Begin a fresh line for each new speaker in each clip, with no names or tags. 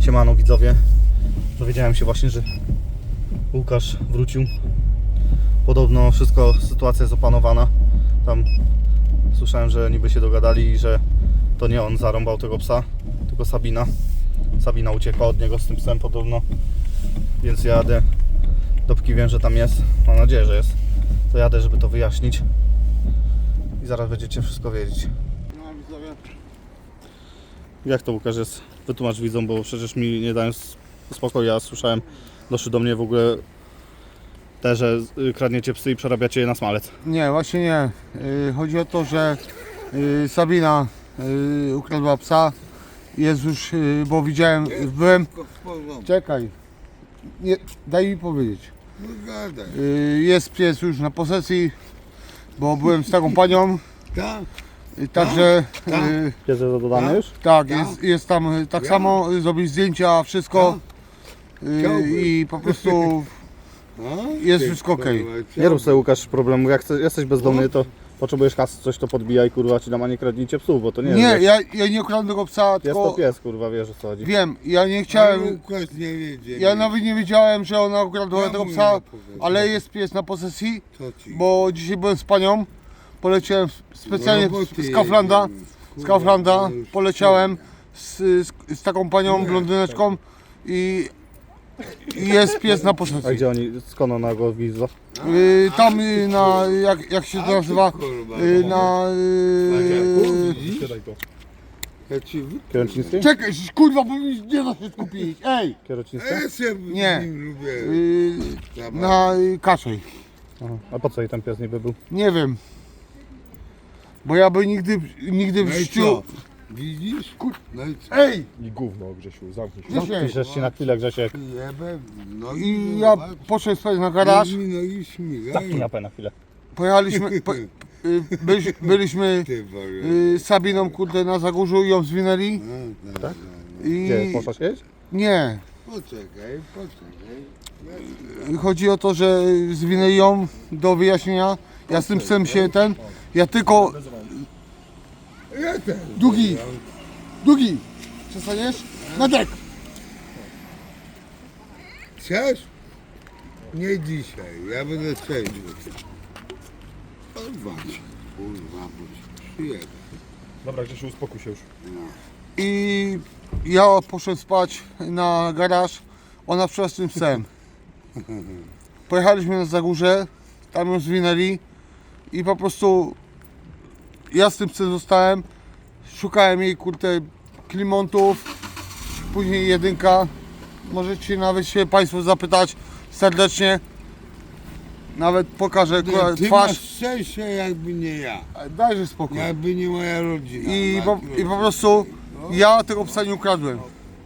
Siemano widzowie. Dowiedziałem się właśnie, że Łukasz wrócił. Podobno sytuacja jest opanowana. Tam słyszałem, że niby się dogadali i że to nie on zarąbał tego psa, tylko Sabina. Sabina uciekła od niego z tym psem podobno. Więc jadę, dopóki wiem, że tam jest. Mam nadzieję, że jest. To jadę, żeby to wyjaśnić. I zaraz będziecie wszystko wiedzieć.
No widzowie.
Jak to, Łukasz, jest? Wytłumacz widzom, bo przecież mi nie dają spokoju. Ja słyszałem, doszły do mnie w ogóle te, że kradniecie psy i przerabiacie je na smalec.
Nie, właśnie nie. Chodzi o to, że Sabina ukradła psa. Jest już, bo widziałem, byłem... Czekaj. Nie, daj mi powiedzieć. Jest pies już na posesji, bo byłem z taką panią. Także
Pies jest dodany już?
tak, jest tam tak samo, zrobić zdjęcia, wszystko i po prostu jest wszystko okej.
Nie rób sobie, Łukasz, problemu. Jak jesteś bezdomny, to potrzebujesz kasy, coś to podbijaj, kurwa, ci dam, a nie kradnijcie psów, bo to nie
Nie,
jest.
ja nie ukradłem tego psa,
Jest
tylko
to pies, kurwa, wiesz o co chodzi.
wiem, ja nie chciałem, ja nawet nie wiedziałem, że ona ukradła tego psa, ale jest pies na posesji, bo dzisiaj byłem z panią, poleciałem specjalnie z Kauflanda, poleciałem z taką panią blondyneczką i jest pies na
A
posesji.
gdzie oni, skąd ona go widzą?
Tam na, jak się to nazywa, na...
Kierocińskiej?
Czekaj, kurwa, bo mi nie da się skupić, ej!
Kierocińskiej?
Nie, na Kaszej.
Aha. A po co jej ten pies niby był?
Nie wiem. Bo ja by nigdy w życiu...
Widzisz? No i co?
Ej!
I gówno, Grzesiu, zamknij się.
Grzesiek!
Piszesz się na chwilę, Grzesiek.
Jebem, no
I ja poszedłem spać na garaż,
No i śmigaj.
Zamknij japę na chwilę.
pojechaliśmy, byliśmy
Ty wariat.
z Sabiną, kurde, na Zagórzu i ją zwinęli
Tak?
i...
Gdzie, poszłaś jeść?
Nie.
Poczekaj.
Chodzi o to, że zwinęli ją do wyjaśnienia. Ja z tym psem ja tylko...
Ja też.
Długi! Przestaniesz? Na dek!
Chcesz? Nie dzisiaj, ja będę trzeźwy. Odwalić. Kurwa, bo ci przyjebę.
Dobra, Grzesiu, uspokój się już.
I ja poszedłem spać na garaż, ona przyszła z tym psem. Pojechaliśmy na Zagórze, tam ją zwinęli i po prostu ja z tym psem zostałem, szukałem jej, kurde, klimontów, później jedynka. Możecie nawet się Państwo zapytać serdecznie, nawet pokażę
Ty masz
twarz.
szczęście, jakby nie ja.
Dajże spokój.
Jakby nie moja rodzina.
I po prostu ja tego psa nie ukradłem.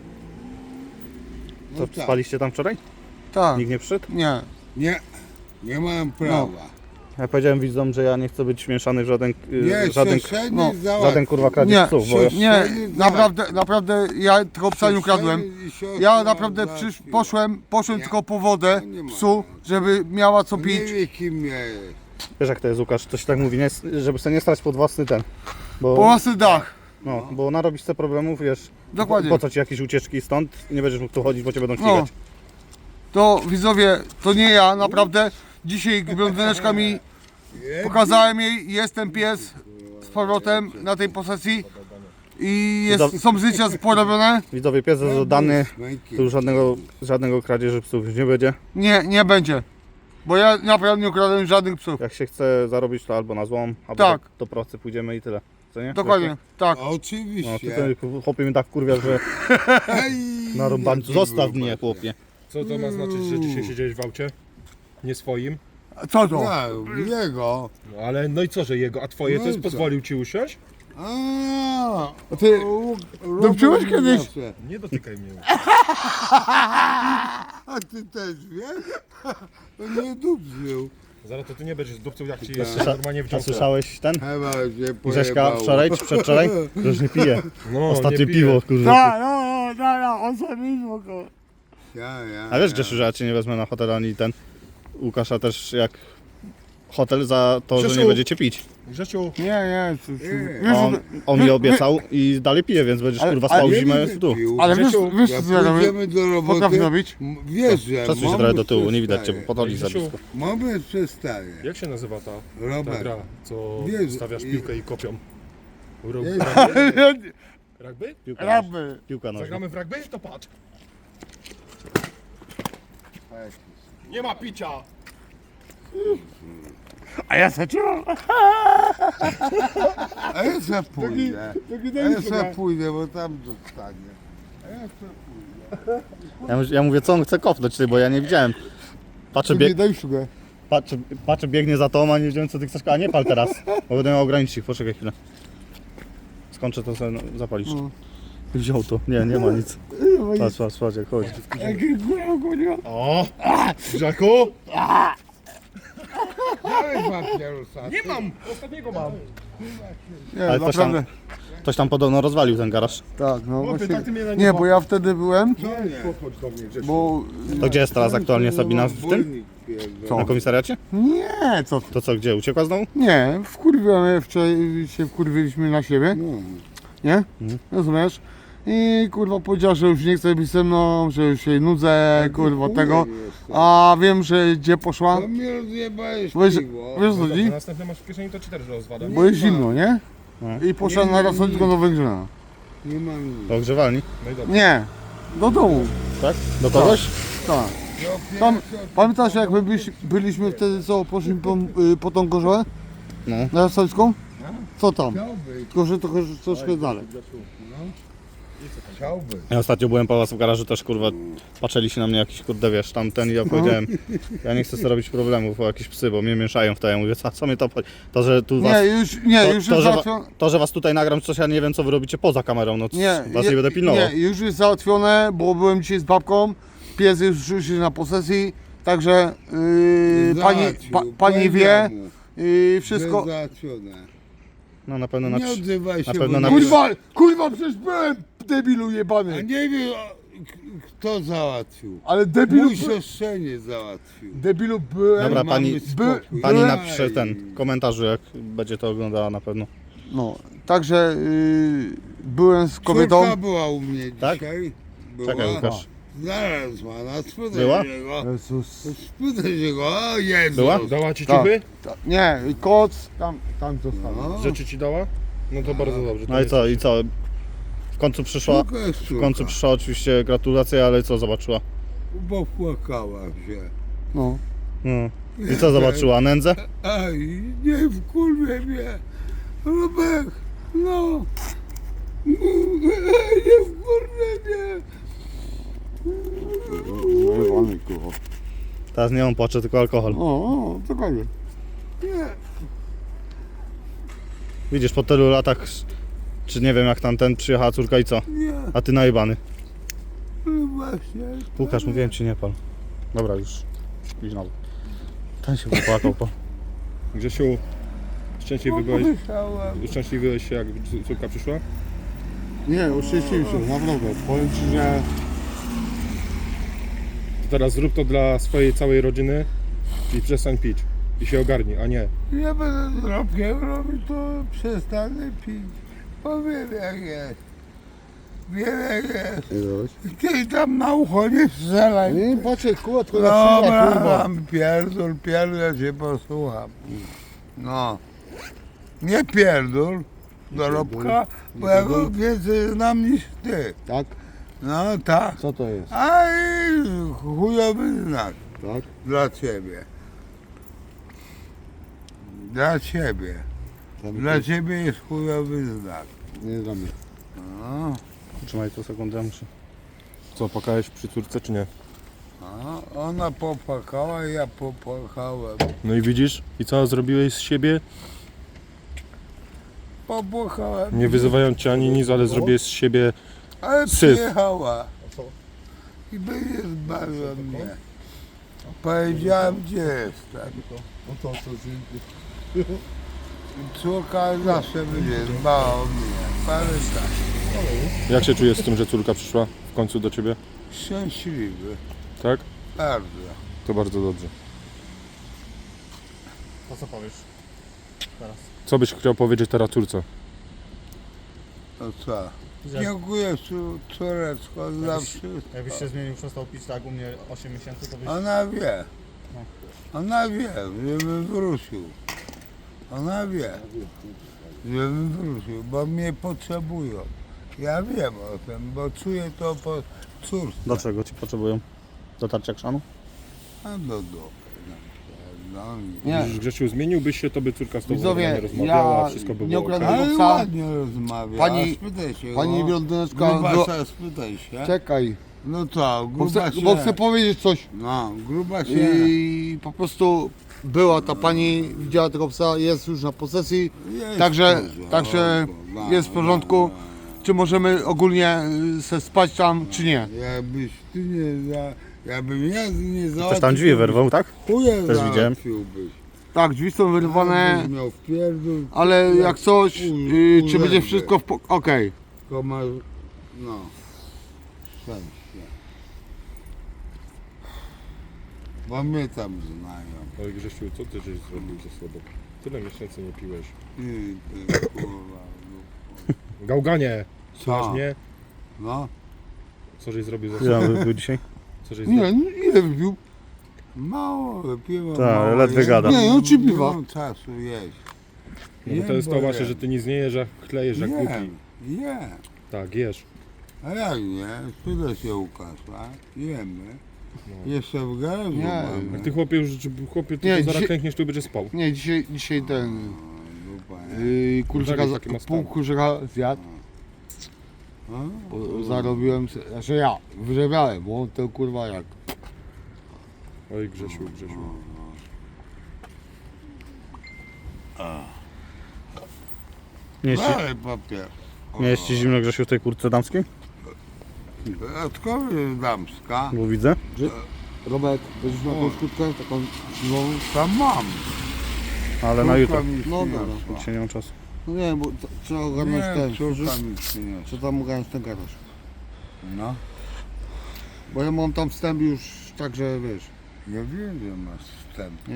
To
tak.
spaliście tam wczoraj?
Tak,
Nikt nie przyszedł?
nie.
Nie mam prawa.
Ja powiedziałem widzom, że ja nie chcę być mieszany w żaden
Nie,
żaden kurwa kradzież
Nie,
psów, bo
nie, naprawdę ja tego psa nie ukradłem. Ja naprawdę poszłem tylko po wodę psu, żeby miała co
Nie
pić.
wie kim ja jest.
wiesz jak to jest, Łukasz, to się tak mówi, nie? Żeby sobie nie strać pod własny ten.
Po
Bo,
własny dach.
no, bo narobisz sobie problemów, wiesz,
Dokładnie.
po co ci jakieś ucieczki stąd, nie będziesz mógł tu chodzić, bo cię będą
No.
ścigać.
To widzowie, to nie ja, naprawdę. Dzisiaj blondyneczka mi pokazałem jej, jest ten pies z powrotem na tej posesji i są zdjęcia porobione.
Widzowie, pies jest oddany, tu już żadnego kradzieży psów już nie będzie.
Nie będzie. Bo ja naprawdę nie ukradłem żadnych psów.
Jak się chce zarobić, to albo na złom, albo
Tak.
do procy pójdziemy i tyle. Co nie?
Dokładnie, tak.
No, ty
Oczywiście.
ten chłopie mnie tak kurwia, że na rąbańcu. Zostaw mnie, chłopie.
Co to ma znaczyć, że dzisiaj siedziałeś w aucie? Nie swoim?
Co to?
Jego.
No ale, no i co, że jego, a twoje
No
to jest
i co?
pozwolił ci usiąść?
A
Ty dupczyłeś kiedyś?
Nie dotykaj mnie.
A ty też wiesz? To nie dupzył.
Zaraz to ty nie będziesz dupcą, jak ci
Słysza-
normalnie
A
wciągnę.
słyszałeś ten?
Chyba się
Grześka
pojebało.
wczoraj czy przedwczoraj? Że już nie pije.
No,
Ostatnie
nie piję.
piwo, kurwa.
No, on sobie spoko.
Ja.
A wiesz, Grzesiu, że ja cię nie wezmę na hotel ani ten Łukasza też jak hotel za to, że nie
Grzesiu.
będziecie pić.
Grzesiu,
Nie, cóż,
On mi obiecał i dalej pije, więc będziesz
Ale-
kurwa
ale
spał
Nie
zimę
będę
tu.
pił.
ale wiesz,
Grzesiu,
wiesz
Jak
co ja robię?
pójdziemy do
Potrafię
roboty,
robić?
wiesz, że
Przesuń się
moment
trochę do tyłu, nie widać cię,
przestaje.
bo podolisz za
Grzesiu,
blisko.
Moment przestaje.
jak się nazywa ta
Robert.
gra, co
Jezu,
stawiasz
i-
piłkę i kopią?
Jezu.
Rugby?
Piłka,
Raby.
piłka nożna.
Zagramy w rugby? To patrz. Nie ma picia!
A ja se czułem.
A ja se pójdę. A ja se pójdę, bo tam zostanie. A ja se pójdę.
Ja mówię, co on chce kopnąć, ty, bo ja nie widziałem. Patrzę,
Daj szugę.
patrzę, biegnie za tobą, a nie wiedziałem, co ty chcesz. A nie pal teraz, bo będę miał ograniczyć ich. Poczekaj chwilę. Skończę to sobie zapalić. Wziął to. Nie ma nic. Patrz, jak chodzi.
O! Grzechu!
Dałeś papierosa.
Nie mam! Ostatniego mam!
Nie,
Ale
naprawdę.
Ktoś tam podobno rozwalił ten garaż.
Tak, no
Chłopie,
właśnie.
tak ty mnie na
Nie, bo ja wtedy byłem,
Podchodź do mnie, Grzesiu.
bo...
To gdzie jest teraz aktualnie Sabina? W tym?
Wolnik pierdolę.
Na komisariacie?
Nie, co ty?
To co, gdzie? Uciekła znowu?
Nie, wkurwiamy, wczoraj się wkurwiliśmy na siebie,
No.
nie? Rozumiesz? I kurwa powiedziała, że już nie chce być ze mną, że już się nudzę, kurwa tego. A wiem, że gdzie poszła,
To mnie rozjebałeś
Wiesz-
piwo.
wiesz co
No
chodzi?
dobrze, następne masz w kieszeni, to ci też rozwadę.
Bo jest zimno, nie?
No.
I poszła
Nie,
na
nie,
Rosockiego
nie.
do Węgrzyna.
Nie mam nic.
Do ogrzewalni?
No i dobrze.
Nie, do domu,
Tak? Do kogoś?
tak. Tam, pamiętasz jak my byliśmy wtedy, co poszliśmy po tą gorzołę?
No.
Na Rosocką? Co tam?
Chciałby,
Tylko, że troszkę dalej.
chciałby.
Ja ostatnio byłem po was w garażu, też kurwa patrzyli się na mnie jakiś kurde, wiesz, tamten i ja powiedziałem, ja nie chcę sobie robić problemów, bo jakieś psy, bo mnie mieszają w to, ja mówię, co mnie to obchodzi? To, że tu was...
Nie, już
to,
jest
że,
załatwione.
to, że was tutaj nagram, coś ja nie wiem, co wy robicie poza kamerą, no was nie będę pilnował.
Nie, już jest załatwione, bo byłem dzisiaj z babką. Pies już jest na posesji, także pani wie, wszystko.
Załatwione.
No na pewno
Nie odzywaj się.
na pewno
bo
napisz-
Kurwa, przecież byłem debilu
A
jebany.
nie wiem, kto załatwił.
Ale debilu,
Mój siostrzeniec załatwił.
debilu byłem.
Dobra,
Mamy
pani-
spokój.
Pani
Byłem-
napisze ten komentarz, jak będzie to oglądała na pewno.
No, także byłem z kobietą.
Córka była u mnie
Tak?
dzisiaj. Była.
Czekaj, Łukasz.
Znalazła, na spytaj
Była?
się go.
Jezus.
Spytaj się go, o Jezus.
Była?
Dała ci
Tak.
ciuchy?
Nie, koc, tam został.
No.
Rzeczy ci dała? No to bardzo dobrze. to
No i
jest-
co, i co? W końcu przyszła,
Córka jest
w końcu przyszła oczywiście gratulacje, ale co zobaczyła?
Bo płakała się.
No.
No. I co zobaczyła? Nędzę?
Aj, nie wkurwie mnie. Robek, no. Nie wkurwie mnie.
Jebany, kurwa.
Teraz nie on płacze, tylko alkohol.
O, dokładnie.
Nie.
Widzisz, po tylu latach, czy nie wiem jak tamten, przyjechała córka i co?
Nie,
A ty najebany.
no właśnie.
Łukasz, mówiłem ci nie pal. Dobra, już. Idź na dół. Ten się popłakał, po.
Grzesiu, szczęśliwy byłeś się jak córka przyszła?
Nie, uszczęśliwił się, naprawdę. Powiem ci, że...
To teraz zrób to dla swojej całej rodziny i przestań pić. I się ogarnij, a nie.
Ja będę z Robkiem robił, to przestanę pić. Powiem jak jest. Wiem jak jest. Ty tam na ucho nie strzelaj.
Nie patrzę, kurwa, tylko na
Dobra,
kurwa.
mam pierdol, cię posłucham. No. Nie pierdol do Robka, bo ja go więcej znam niż ty.
Tak?
No tak.
Co to jest?
A i chujowy znak
Tak?
dla ciebie. Dla ciebie. Dla ciebie jest chujowy znak.
Nie dla mnie.
No.
Trzymaj to sekundę, muszę.
Co, płakałeś przy córce czy nie?
A ona popłakała, ja popłakałem.
No i widzisz? I co zrobiłeś z siebie?
Popłakałem.
Nie wyzywając cię ani nic, ale zrobiłeś z siebie...
Ale
syf.
przyjechała. I będzie zbawiła mnie. Powiedziałem, gdzie jestem. Córka zawsze będzie dbała o mnie. Pamiętaj.
Jak się czujesz z tym, że córka przyszła w końcu do ciebie?
Szczęśliwy.
Tak?
Bardzo.
To bardzo dobrze.
To co powiesz? Teraz.
Co byś chciał powiedzieć teraz córce?
To co? Dziękuję córeczko za wszystko.
Jakbyś się zmienił, przestał pić tak u mnie 8 miesięcy, to byś...
Ona wie. Ona wie, żebym wrócił. Ona wie, żebym wrócił, bo mnie potrzebują. Ja wiem o tym, bo czuję to po córce.
Dlaczego ci potrzebują? Dotarcia chrzanu?
A do dupy. No,
Nie.
Widzisz, Grzesiu, zmieniłbyś się, to by córka z tobą
Widzowie,
normalnie rozmawiała,
ja
wszystko by
nie
było
ukradłem
okej.
ale
psa.
ładnie rozmawia.
Pani-
A spytaj się
Pani
go.
blondyneczka,
Grubasa, spytaj się.
czekaj,
No co,
bo chcę,
gruba
bo
się.
chcę powiedzieć coś.
No, gruba się.
I po prostu była ta pani, widziała tego psa, jest już na posesji,
Jest
także,
w porządku,
także jest w porządku. Czy możemy ogólnie se spać tam, czy nie?
Jakbyś ty nie za... Jakbym ja nie załatwił...
Też tam drzwi wyrwał, tak?
Chuja
Też widziałem.
załatwiłbyś.
Tak, drzwi są wyrwane,
Jakbyś miał wpierdół,
ale jak coś, czy będzie
urzędy.
wszystko okej.
tylko masz... No. Szczęście. Bo mnie tam znają.
Ale Grzesiu, co ty żeś zrobił ze sobą? Tyle miesięcy nie piłeś.
Ty kurwa.
Gałganie!
Co?
Słuchasz mnie?
No.
Co żeś zrobił ze
Ile
sobą?
był dzisiaj?
Co żeś zrobił?
Nie, no ile wypił?
Mało wypiłem.
Tak,
mało
ledwie
jem.
gada.
Nie, no ci piwa.
Nie mam czasu jeść.
No bo to jest to
Jem,
właśnie,
bo
że ty nic nie jesz, jak chlejesz, jak głupi.
Jem.
Tak, jesz.
A jak nie? Spytaj się Łukasza. Jemy.
No.
Jeszcze w garażu
Nie.
mamy.
Jak ty chłopie już, chłopie, ty
Nie,
to zaraz
dzisiaj-
klękniesz, tu będziesz spał.
Nie, dzisiaj ten
Dupa, nie?
kurczyka,
Tak, taki ma stan.
pół kurczyka zjadł,
A?
bo zarobiłem, znaczy ja, wyrabiałem, bo on to kurwa jak.
Oj Grzesiu, Grzesiu.
Nie jest,
Dalej papier.
ci, nie jest ci zimno, Grzesiu, w tej kurtce damskiej?
Dodatkowo jest damska.
Bo widzę.
Robert, będziesz miał jakąś kurtkę, taką zimową?
Tam mam.
Ale na jutro.
Córka mi
No
przyniosła.
Dzisiaj nie mam czasu.
No nie, bo trzeba ogarnąć ten,
Nie, córka mi przyniosła.
trzeba tam ogarnąć ten garaż.
No.
Bo ja mam tam wstęp już, także wiesz.
Ja wiem, że masz wstęp.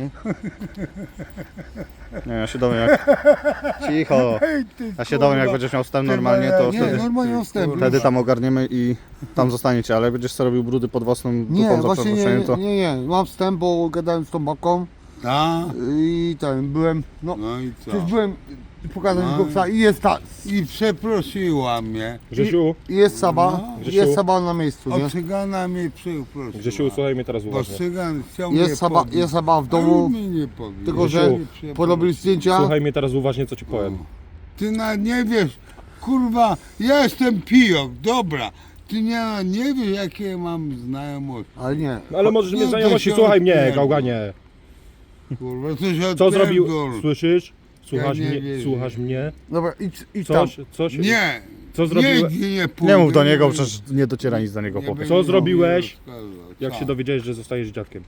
Nie, ja się dowiem jak... Cicho. Ja się dowiem jak będziesz miał wstęp normalnie, to
Nie,
wtedy,
normalnie mam wstęp.
wtedy tam ogarniemy i tam zostaniecie, ale jak będziesz sobie robił brudy pod własną
Nie,
dupą za
właśnie
przeproszeniem, to...
nie, mam wstęp, bo gadałem z tą babką
A?
i ten, byłem, no,
No i co?
przecież byłem pokazać
No.
go psa i jest ta,
I przeprosiła mnie.
Grzesiu,
i jest Saba,
Grzesiu.
jest Saba na miejscu, nie?
O cygana mnie przeprosiła.
Grzesiu, słuchaj mnie teraz
Bo
uważnie.
cygan chciał mnie
Jest Saba w domu,
mnie nie pobił.
tylko że
Grzesiu,
porobili zdjęcia.
Słuchaj mnie teraz uważnie, co ci powiem.
Ty nie wiesz, kurwa, ja jestem pijok, dobra. Ty nie wiesz, jakie mam znajomości.
Ale nie,
No ale możesz
No
mieć
to
znajomości,
się
słuchaj mnie,
odpierdol.
gałganie.
Kurwa, coś
Co zrobił,
odpierdol.
słyszysz? Słuchasz
Ja nie
mnie,
wierzę.
słuchasz mnie?
dobra, idź tam.
Coś,
Nie,
co zrobiłeś,
nigdzie nie pójdę.
Nie mów do niego, przecież nie dociera nic do niego,
Nie
chłopie.
będę
Co zrobiłeś,
rozkazał.
jak
Co?
się dowiedziałeś, że zostajesz dziadkiem?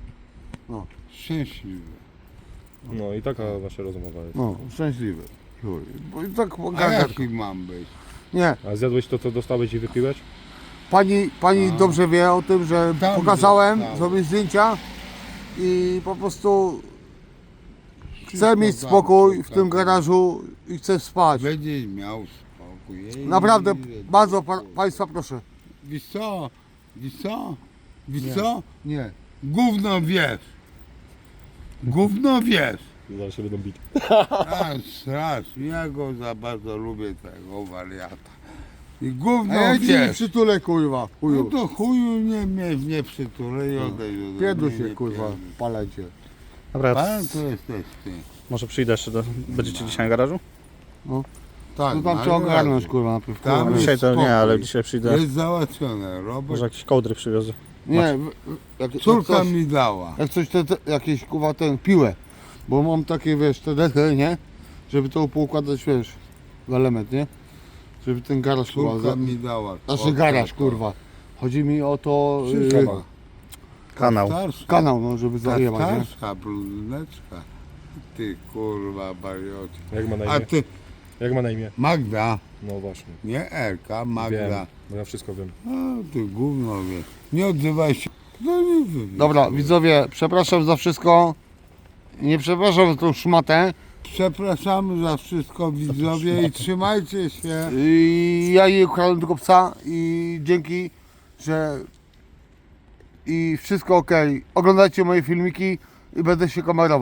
Szczęśliwy.
No i taka wasza rozmowa jest.
No, szczęśliwy. Bo i tak
A
gadać.
jaki mam być?
Nie,
A zjadłeś to, co dostałeś i wypiłeś?
pani dobrze wie o tym, że
Tam
pokazałem,
dostałem.
zrobię zdjęcia i po prostu chcę
Wszystko
mieć
tam,
spokój w
tak.
tym garażu i chcę spać.
Będziesz miał spokój. Ej,
Naprawdę,
nie,
bardzo Państwa proszę.
Wiesz co? Wiesz co? Wiesz
Nie.
co?
Nie.
Gówno wiesz. Gówno wiesz.
Zaraz się będą bić.
A strasznie, ja go za bardzo lubię, tego wariata. I
A
gówno
ja ci nie
wiesz.
przytulę, kurwa,
No
chuju.
to chuju nie przytulę i odejdź ode
Pierdol
mnie,
się,
nie
kurwa,
pierdol.
palecie.
Dobra,
Pan to jesteś ty.
może przyjdę jeszcze do... Będziecie dzisiaj na garażu?
Tak,
No tam
na
trzeba ogarnąć,
razie.
kurwa, najpierw.
Tam
kurwa.
jest
Dzisiaj to nie,
spokój.
ale dzisiaj przyjdę.
Jest załatwione, Robert.
Może jakieś kołdry przywiozę.
Nie, jak
Córka
coś,
mi dała.
jak coś jakieś, kurwa, piłę. Bo mam takie, wiesz, te dechy, nie? Żeby to poukładać, wiesz, w element, nie? Żeby ten garaż, kurwa,
Córka mi dała.
znaczy garaż, kurwa. Chodzi mi o to,
Córka.
Kanał.
Starsza,
kanał, no, żeby
ta
zajebać, nie?
starsza bluzyneczka. Ty kurwa bariocie.
Jak ma na
A
imię?
ty
Jak ma na imię?
Magda,
No właśnie.
nie Elka, Magda.
Wiem, bo ja wszystko wiem.
A ty gówno wiesz. Nie odzywaj się. No nie wiem.
Dobra, widzowie, przepraszam za wszystko. Nie przepraszam za tą szmatę,
Przepraszamy za wszystko widzowie i trzymajcie się.
Ja nie ukradłem tylko psa i dzięki, że i wszystko ok. Oglądajcie moje filmiki i będę się kamerował.